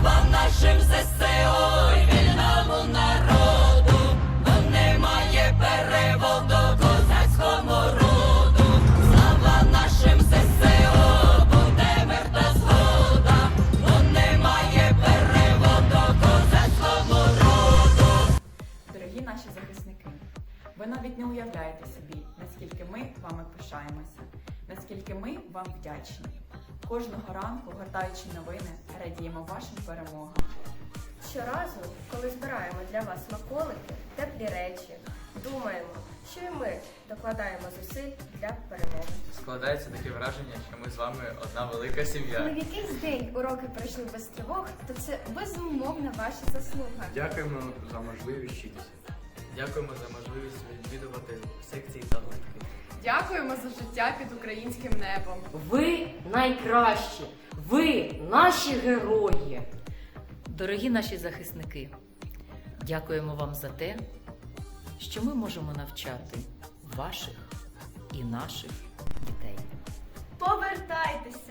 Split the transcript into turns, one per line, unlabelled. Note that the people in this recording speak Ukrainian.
Слава нашим ЗСУ і вільному народу, бо немає переводу козацькому роду. Слава нашим ЗСУ, буде мир та згода, бо немає переводу козацькому роду.
Дорогі наші захисники, ви навіть не уявляєте собі, наскільки ми вами пишаємося, наскільки ми вам вдячні. Кожного ранку, гортаючи новини, радіємо вашим перемогам.
Щоразу, коли збираємо для вас смаколики, теплі речі, думаємо, що і ми докладаємо зусиль для перемоги.
Складається таке враження, що ми з вами одна велика сім'я.
Коли в якийсь день уроки пройшли без тривог, то це безумовно ваша заслуга.
Дякуємо за можливість вчитися.
Дякуємо за можливість відвідувати секції та гуртки.
Дякуємо за життя під українським небом.
Ви найкращі! Ви наші герої!
Дорогі наші захисники, дякуємо вам за те, що ми можемо навчати ваших і наших дітей.
Повертайтеся!